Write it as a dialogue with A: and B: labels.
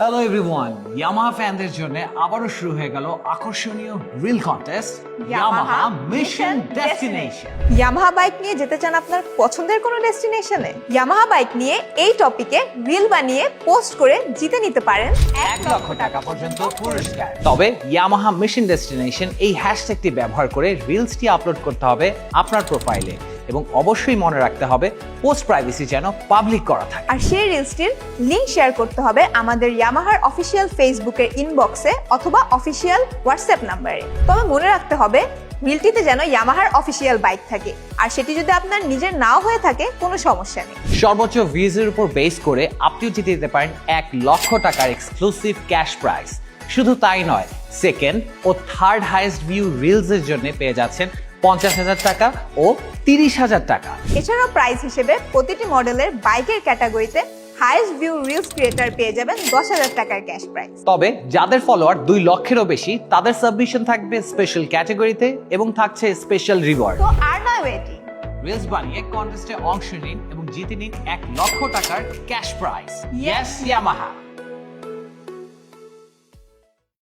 A: Hello everyone, Yamaha ফ্যানদের জন্য আবারও শুরু হয়ে গেল আকর্ষণীয় reel contest Yamaha mission destination.
B: Yamaha bike নিয়ে যেতে চান আপনার পছন্দের কোনো ডেস্টিনেশনে? ইয়ামাহা বাইক নিয়ে এই টপিকে রিল বানিয়ে পোস্ট করে জিতে নিতে পারেন
A: 1 লক্ষ টাকা পর্যন্ত পুরস্কার। তবে ইয়ামাহা মিশন ডেস্টিনেশন এই হ্যাশট্যাগটি ব্যবহার করে রিলসটি আপলোড করতে হবে আপনার প্রোফাইলে এবং অবশ্যই মনে রাখতে হবে পোস্ট প্রাইভেসি যেন পাবলিক করা থাকে।
B: আর সেই রিলসটির লিংক শেয়ার করতে হবে আমাদের ইয়ামাহার অফিসিয়াল ফেসবুকের ইনবক্সে অথবা অফিসিয়াল হোয়াটসঅ্যাপ নাম্বারে। তবে মনে রাখতে হবে রিলটিতে যেন ইয়ামাহার অফিসিয়াল বাইক থাকে, আর সেটি যদি আপনার নিজের নাও হয়ে থাকে কোনো সমস্যা নেই।
A: সর্বোচ্চ ভিউজের উপর বেস করে আপনিও জিতে দিতে পারেন 1 লক্ষ টাকার এক্সক্লুসিভ ক্যাশ প্রাইজ। শুধু তাই নয়, সেকেন্ড ও থার্ড হাইয়েস্ট ভিউ রিলসের জন্য পেয়ে যাচ্ছেন 50,000 টাকা ও 30,000 টাকা।
B: এছাড়াও প্রাইজ হিসেবে প্রতিটি মডেলের বাইকের ক্যাটাগরিতে হাইয়েস্ট ভিউ রিলস ক্রিয়েটর পেয়ে যাবেন 10,000 টাকার ক্যাশ প্রাইজ।
A: তবে যাদের ফলোয়ার 2 লক্ষেরও বেশি তাদের সাবমিশন থাকবে স্পেশাল ক্যাটাগরিতে এবং থাকছে স্পেশাল রিওয়ার্ড।
B: তো আর নয় ওয়েটিং,
A: রিলস বানিয়ে কন্টেস্টে অংশ নিন এবং জিতে নিন 1 লক্ষ টাকার ক্যাশ প্রাইজ। Yes Yamaha.